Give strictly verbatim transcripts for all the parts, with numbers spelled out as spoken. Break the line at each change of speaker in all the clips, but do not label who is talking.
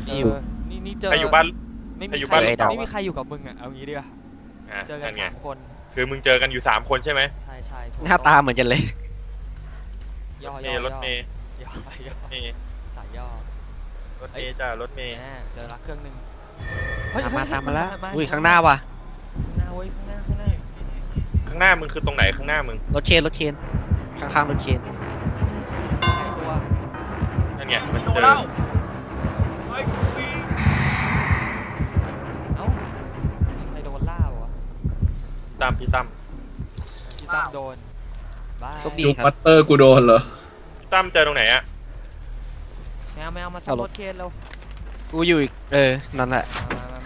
เออนี่นี่เจอ
ใครอยู่บ้าน
ไม่
ใคร
มี
อยู่
ใคร
บ้าน
ไม่มีใครอยู่กับมึงอ่ะเอางี้ดีกว่า
อ่ะ
เจอกัน
นั่นไง
สามคน
คือมึงเจอกันอยู่สามคนใช่ไหม
ใช่ใช่ถูก
หน้าตาเหมือนกันเลย
ย่อ
เม
ย่อ
ย์รถเมย์
ย่อย่อ
เมย์
สายย่อ
รถเมย์จ้ารถเมย์
แหมเจอละเครื่องหนึ่ง
ตามมาตามมาแล้ว
เฮ้
อุ้ยข้างหน้าว่ะ
ข้างหน้าเว้ยข้างหน้าข้างหน้า
ข้างหน้ามึงคือตรงไหนข้างหน้ามึง
รถเคนรถเคนข้างๆรถเคน
หายตัว
นั่นไงมัน
โด
เจ
น
อ
แล้วเฮ้ยกูวิ่ง
เอ้ามีใครโดนล่าวะ
ตามพี่ตั้ม
พี่ตั้มโดนบ้า
โชคดี
ดู
ครั
ปั
บ
ตเตอร์กูโดนเหรอ
พี่ตั้มเจอตรงไหนอะ
แมวแมวมา
เอา
ซ่อม
ร
ร
ถ
ถเคนเร็ว
กูอยู่อีกเออนั่นแหละ
มามามา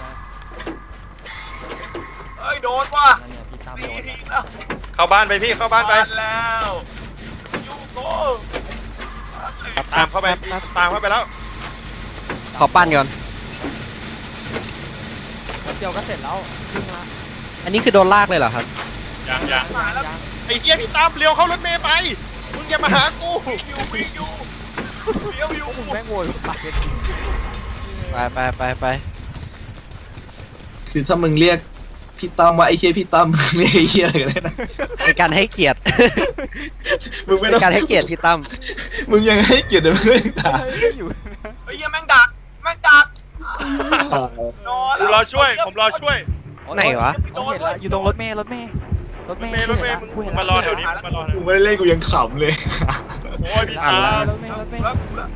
เฮ้ยโดนว่ะ
นั่นเนี่ยพี่ตั้ม
ตี
โดน
ทีแล้ว
เข้าบ้านไปพี่เข้าบ้านไป
แล้วยูโก้
ตามเข้าไปตามเข้าไปแล้ว
ขอปั้นก่อน
แป๊บเดียวก็เสร็จแล้วครึ่งละ
อันนี้คือโดนลากเลยเหรอครับ
ยังยัง
มาแล้วยัง
ไอ้เหี้ยพี่ตั้มเลี้ยวเข้ารถเมย์ไปมึงอย่ามาหากู
วิ่งอยู่วิ่งอยู่เลี้ยวอยู่
มึงแม่งโวยวาย
ไปไปไปไป
คือถ้ามึงเรียกพี่ตั้มว่าไอ้เชี่ยพี่ตั้มมึงเรียกไอ้เชี่ยอะไรก็ได้นะ
เป็นการให้เกียรติ
มึงไม่
เป็
ต้อง
นการให้เกียรติพี่ตั้ม
มึงยังให้เกียรติเลยมึงไม่ด่า
เฮ้ยไม่อยู่
เฮ้ยแม่งดักแม่งดักนอน
ผมรอช่วยผมรอช่วย
ไหนวะ
โดนละอยู่ตรงรถเมล์รถเมล์รถ
ร
เม
ถ
ล์
เมย์รถเมย์มึง
กูเห็น
มารอแถวนี้มารอแถว
กู
นี้
ไม่ได้เล่นกูยังขำเลย
โอ้ยพี่
อ่าน
ตั้
ละ
ม
รถเมล์รถเมล์
แล้วกูละ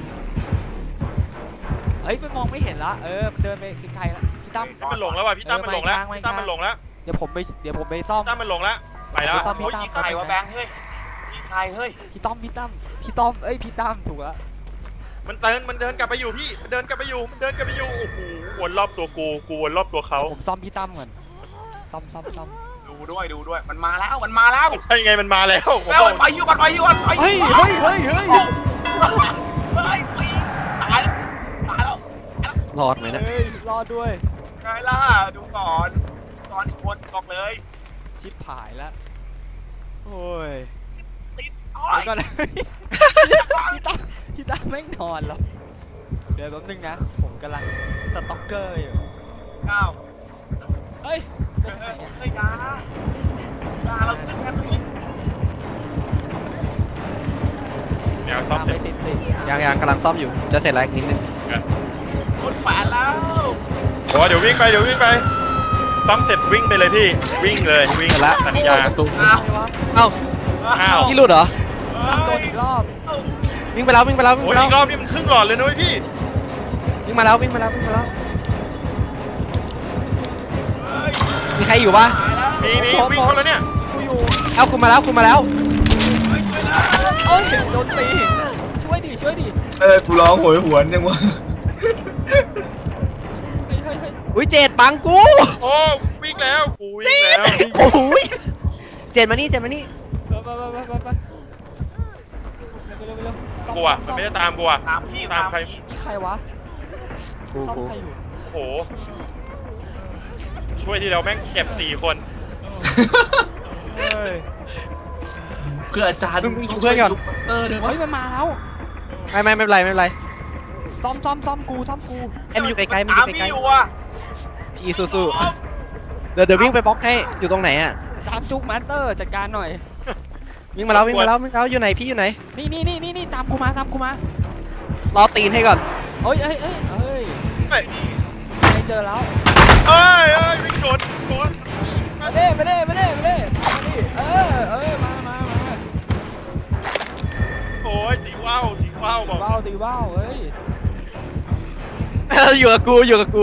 เฮ้ยมันมองไม่เห็นละเออมันเดินไปไกลๆละพี่ตั้ม
พี่มันหลงแล้วว่ะพี่ตั้มมันหลงแล้วพี่ตั้มมันหลงแล้ว
เดี๋ยวผมไปเดี๋ยวผมไปซ่อม
พี่ตั้มมันหลงแล้วไปแล้ว
ซ่อม
โอ้ยยิงใครวะแบงค์เฮ้ยยิงใครเฮ้ย
พี่ต้อมพี่ตั้มพี่ต้อมเอ้ยพี่ตั้มถูกละ
มันเดินมันเดินกลับไปอยู่พี่มันเดินกลับไปอยู่มันเดินกลับไปอยู่โอ้โหวนรอบตัวกูกูวนรอบตัวเขา
ผมซ่อมพี่ตั้มก่อนซ่อมซ่อมซ่อม
ดูด้วยดูด้วยมันมาแล้วมันมาแล้ว
ใช่ไงมันมาแล้วผม
แล้ว
บอก
มันไปอยู่มันไปอยู่มันไปอยู่
เฮ้ยเฮ้ยเฮ้ยเฮ้ย
เฮ้ยตีตายแล้วตายแล้ว
รอดไหมเนะ
เฮ้ยรอดด้วย
ไงล่ะดูก่อนก่อนชนบอกเลย
ชิบหายแล้วโอ้ย
ติดโอ้
เดี๋ย
ยว
ก่อนนะพี่ตั้มพี่ตั้มแม่งนอนแล้วเดี๋ยวแป๊บนึงนะผมกำลังสต็อกเกอร์อยู่
เก้า
เฮ้ย
เฮ้ยเฮ้ยยา ยาเราขึ้นกันเลย
แนวซ่อม
ตาม
เส
ไป
ร็จ
ติดติด
ยังยังกำลังซ่อมอยู่จะเสร็จแล้วอีกนิดนึง
คนแปดแล้ว
โอ้เดี๋ยววิ่งไปเดี๋ยววิ่งไปซ่อมเสร็จวิ่งไปเลยพี่วิ่งเลยวิ่งสัญญา
ประตู
อ้าว
ใครวะ
เอ้า
อ้าว
พี่หลุดเหรอ
ตั้มโดนอีกรอบ
วิ่งไปแล้ววิ่งไปแล้ววิ่ง
โอ้
ไป
ย
แล้ว
อีกรอบนี่มันครึ่งหลอดเลยนุ้ยพี่
วิ่งมาแล้ววิ่งมาแล้ววิ่งมาแล้ว
เฮ้ย
มีใครอยู่ปะ
ตายแล้ว
มีมีวิ่งเข้าแล้วเนี่ย
กูอยู่
เอ้าคุณมาแล้วคุณมาแล้ว
เฮ้ยช่วยแล้ว
เอ้ยโดนตีช่วยดิช่วยดิ
เออกูร้องโหยหวนจังวะ
เฮ้ยเฮ้ยเฮ้ย
อุ้ยเจ็ดบังกู
โอ้วิ่งแล้วกูวิ่งแล้ว
โอ้โหยเจ็ดมานี่เจ็ดมานี่
ไปไปไปไปไปไปเร็วเร็วเร็วซ่อ
กูอ่ะมันไม่ได้ตามกูอ่ะ
ตามพี่
ตามใคร
พี่
นี่ใครวะ
กู
ซ่อม
กู
ใครอยู่
โอ้โหช่วยทีเดียวแม่งเก็บสี่คน
เฮ้ย
เพื่ออาจารย์
มึงมึงอยู่เพื่อนก่อน
ดูปัตเตอร์ด้วยวะ
เฮ้ยมันมาแล้ว
ไม่ไม่ไม่เป็นไรไม่เป็นไร
ซ่อมซ่อมซ่อมกูซ่อมกู
ไอ้มันอยู่ไกลๆมันอ
ตาม
ยู่
พี่
ไกล
อยู่อ่ะ
ๆพี่สู้ๆเดี๋ยวเดี๋ยววิ่งไปบล็อกให้อยู่ตรงไหนอ่ะ
จามจุกมาสเตอร์จัดการหน่อย
วิ่งมาแล้ววิ่งมาแล้ววิ่งมาแล้วอยู่ไหนพี่อยู่ไหน
นี่นี่นี่นี่นี่ตามกูมาตามกูมาร
อตีนให้ก่อน
เฮ้ยเฮ้ยเฮ้ยเฮ้ย
เฮ้ย
ไม่เจอแล้ว
เอ้ยเอ้ยวิ่งชนชน
มาเด้มาเด้มาเด้มาเด้มาดิเออเออมามามา
โอ้ยตีว่าวตีว่าวบ
ตี
อก
ว่าวตีว่าวเฮ้ย
อยู่กับกูอยู่กับกู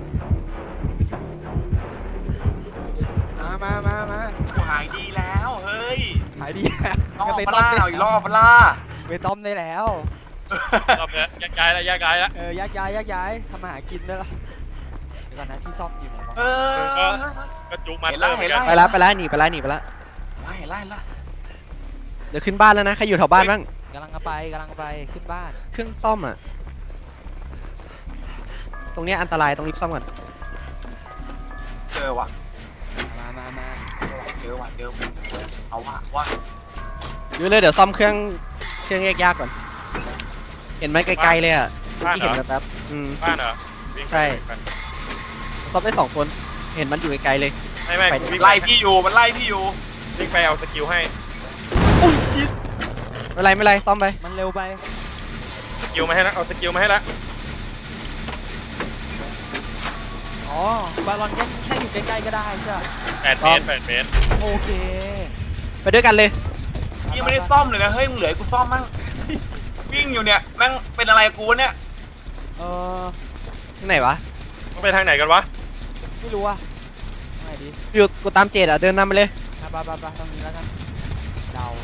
มามามามา
กูหายดีแล้วเฮ้ย
หายดี
รอบ
ไป
ป
ต้อ
ลาม
ได้
อีกรอบปลา
ไปต้อมได้แล้ว
รอบแล้วแยกย้ายแล้วแยกย้ายแล้ว
เออแยกย้ายแยกย้ายทำมาหากินได้ละเดี๋ยวก่อนนะที่ซ่อมอยู่ไหนวะ
เออ
ก็จุกมาเตอร์เหมือนกัน
ไปแล้วไปแล้วหนีไปแล้วหนีไปแล้ว
ไล่ไล่ไล่
เดี๋ยวขึ้นบ้านแล้วนะใครอยู่แถวบ้านบ้าง
กำลังไปกำลังไปขึ้นบ้าน
เครื่องซ่อมอ่ะตรงเนี้ยอันตรายต้องรีบซ่อมก่อน
เจอว่ะ
มามามา
เจอว่ะเจอว่ะเอาว่ะว่ะ
อยู่เลยเดี๋ยวซ่อมเครื่องเครื่องแยกยากก่อน เห็นไหมไกลๆเลยอ่ะ
บ้าน
ที่
เหร
เห็
อน
แป๊บๆอืม
บ้านเหรอวิ่งไป
ใช่
วิ่งไป
ซ่อมได้สองคน เห็นมันอยู่ไกลๆเลย
ไม่ไม่
ไป
กูวิ่ง
ไล่พี่อยู่มันไล่พี่อยู่
วิ่งไปเอาสกิลให้
อุ้ยชิด
ไม่เป็นไรไม่เป็นไรซ่อมไป
มันเร็วไป
สกิลมาให้แล้วเอาสกิลมาให้แล้ว
อ๋อบาลอนแค่แค่อยู่ใกล้ๆก็ได้ใช่ไหม
แปดเมตรแปดเมตร
โอเค
ไปด้วยกันเลย
พี่ยังไม่ได้ซ่อมเลยนะเฮ้ยมึงเหลือให้กูซ่อมมั่งวิ่งอยู่เนี่ยแม่งเป็นอะไรกับกูวะเนี่ย
เออ
ที่ไหนวะ
ต้องไปทางไหนกันวะ
ไม่รู้อะไงดี
อยู่กูตามเจดอ่ะ เดินนำไปเลย
อ่ะไปไปไปตรงนี้แล้วกันเดา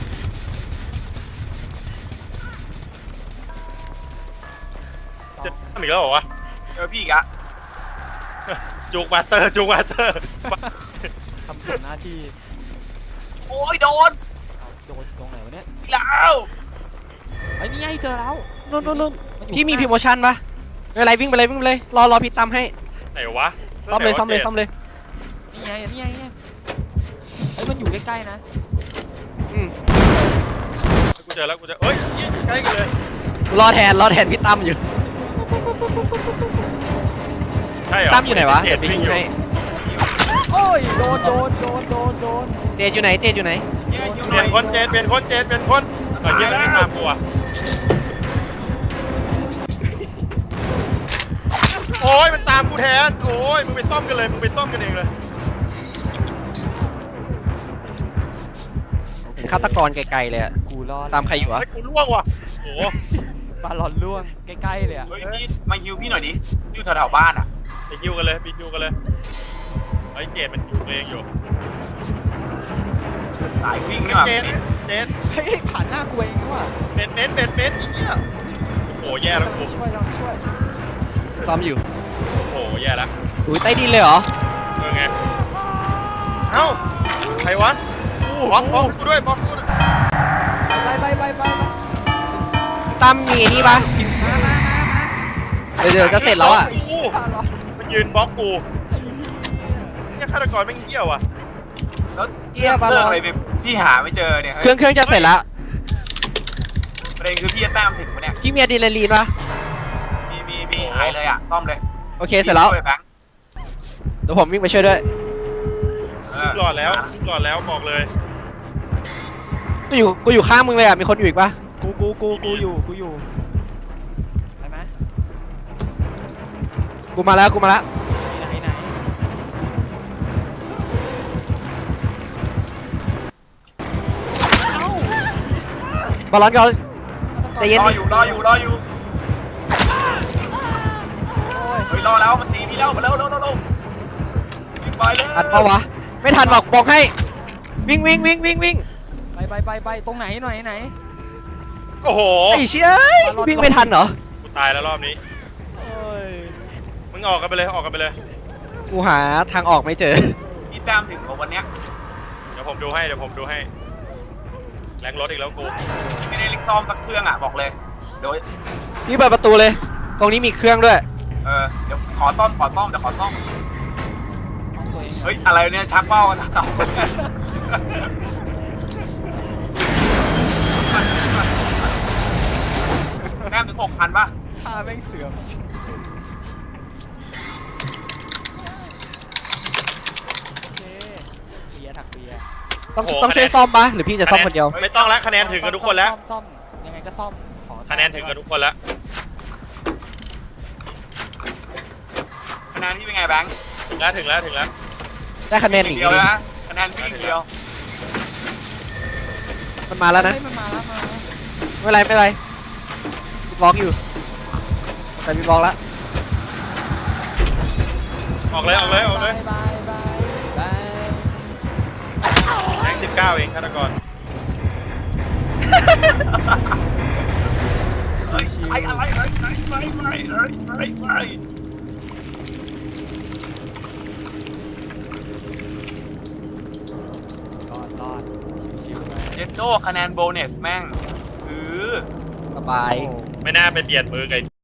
จะทำอีกแล้วเหรอวะ
เจอพี่อีกอะ
จูกมาสเตอร์จูกมาสเตอร์
ทำผิดหน้าที่
โอ้ยโดน
เอาโดนตรงไหนวะเนี่ย
อีกแล้ว
ไอ้ยนี่ไงเจอแล้ว
นู่นนู่นนู่น
นอยู่
พี่มี
ข้างห
พิ
น้า
โมชั่นปะไม่เป็นไรวิ่งไปเลยวิ่งไปเลย รอรอพี่ตามให้
ไหนวะ
ซ่อมเลยซ่อมเลยซ่อมเลย
นี่ไงนี่ไงนี่ไงเอ้ยมันอยู่ใกล้ๆนะ
อืม
กูเจอแล้วกูเจอเอ้ยใกล้กันเลย
กูรอแทนรอแทนพี่ตั้มอยู่
ใช่เหรอ
ตั้มอยู่ไหนวะ
เจ็
เดี๋ยว
ด
ไป
วิ่ง
ยิง
อยู่
ให้
โอ้ยโดนโดนโดนโดนโดน
เจดอยู่ไหนเจดอยู่ไหน
เนี่ยอยู่
เป
หน่
ลี่
อย ย
นคนเจดเปลี่ยนคนเจดเปลี่ยนคนเออเจดไม่ตามกูอ่ะโอ้ยมันตามกูแทนโอ้ยมึงไปซ่อมกันเลยมึงไปซ่อมกันเองเลย
เห็นฆาตกรไกลๆเลยอะ
กูรอด
ตามใครอยู่วะ
ไอ้กูล่วงว่ะโอ้โห
บาลอนล่วงใกล้ๆเลยอะ
เฮ้ยพี่มาฮิวพี่หน่อยดิอยู่แถวๆบ้านอะ
ไปคิวกันเลยไปคิวกันเลยไอ้เจดมันคิวตัวเองอยู่
สายวิ่งนี่หว่า
เจดเจด
เฮ้ยผ่านหน้ากูเองนี่ว่ะ
เบ็ดเบ็ดเบ็ดเบ็ดอีกเนี่ยโอ้โหแย่แล้วกู
ช่วยลองช่วย
ซ่อมอยู่
โอ้โหแย่แล้ว
อุ้ยใต้ดินเลยเหรอ
เออไงเอ้าใครวะบล็อกบล็อกกูด้วยบล็อกกูด้วย
ไปไปไปไปไป
ตั้มมีไอ้นี่ปะ
มามามา
เดี๋ยวเดี๋ยวจะเสร็จแล้วอ่ะ
โอ้โห
มาบาลอน
มันยืนบล็อกกู
ไอ้เหี้ย
เนี่ยฆาตกรแม่งเหี้ยวอ่ะ
แล้วเทียบเครื่องอะไรไปพี่หาไม่เจอเนี่ย
เครื่องเครื่องจะเสร็จแล้ว
ประเด็นคือพี่จะแต้มถึงปะเนี่ย
พี่มีอะดรีนาลีนปะ
มีมีมีหายเลยอะซ่อมเลย
โอเคเสร็จแล้ว
ช่ยแบงค์
เดี๋ยวผมวิ่งไปช่วยด้วย
เอ
หลอดแล้วหลอดแล้วบอกเลย
กูอยู่กูอยู่ข้างมึงเลยอ่ะมีคนอยู่อีกปะ
กูกูกูกูอยู่กูอยู่ไปไหม
กูมาแล้วกูมาแล้ว
ไหนไหน
บอลลอนก่อน ใจเย็น
รออยู่รออยู่รออยู่
โอ้ย
เฮ้ยรอแล้วมันตีพี่แล้วมาเร็วเร็วเร็วเร็ววิ่งไปเลย
ทันปะวะไม่ทันบอกบอกให้ วิ่งวิ่งวิ่งวิ่งวิ่ง
ไปไปไปไปตรงไหนหน่อยไหน
โอ้โห
ไอ้เชี่ยเอ้ยวิ่งไม่ทันเหรอ
กูตายแล้วรอบนี้
โอ้ย
มึงออกกันไปเลยออกกันไปเลย
กูหาทางออกไม่เจอ
พี่แต้มถึงของวันเนี้ย
เดี๋ยวผมดูให้เดี๋ยวผมดูให้แรงรถอีกแล้วกู
ไม่ได้ลิกซ่อมสักเครื่องอะบอกเลยเดี๋ยว
พี่เปิดประตูเลย ตรงนี้มีเครื่องด้วย
เออเดี๋ยวขอซ่อมขอซ่อมเดี๋ยวขอซ่อม
เอาตัวเอง
เฮ้ยอะไรเนี่ยชักเป้ากันทั้งสองคนแต้มถึงหกพันป่ะ
ท่าแม่งเสื่อมโอเคเบียร์ถักเบียร์
ต้องต้องช่วยซ่อมปะหรือพี่จะซ่อมคนเดียว
ไม่ต้องแล้วคะแนนถึงกันทุกคนแล้ว
ซ่อมซ่อมยังไงก็ซ่อมขอ
คะแนนถึงกันทุกคนแล้ว
คะแนนที่เป็นไงแบงค์
ถึงแล้วถึงแล้วถึงแล้ว
ได้คะแนนหนี
เดียวนะคะแนนพี่เดียว
มันมาแล้วนะ
เฮ้ยมันมาแล้วมาแล้ว
ไม่เป็นไรไม่เป็นไรกูบล็อกอยู่ แต่มีบล็อกแล้ว
ออกเลยออกเลยออกเลย
บายบายบาย
แรงสิบเก้าเองฆาตกร
เฮ้ยไอ้อะไรเฮ้ยไอ้ไอ้ไอ้ไอ้ไอ้ไอ้
รอดรอดชิวๆไป
เจนโดคะแนนโบนัสแม่งคือ
สบาย
โอ้
ไม่น่าไปเบียดมือกับ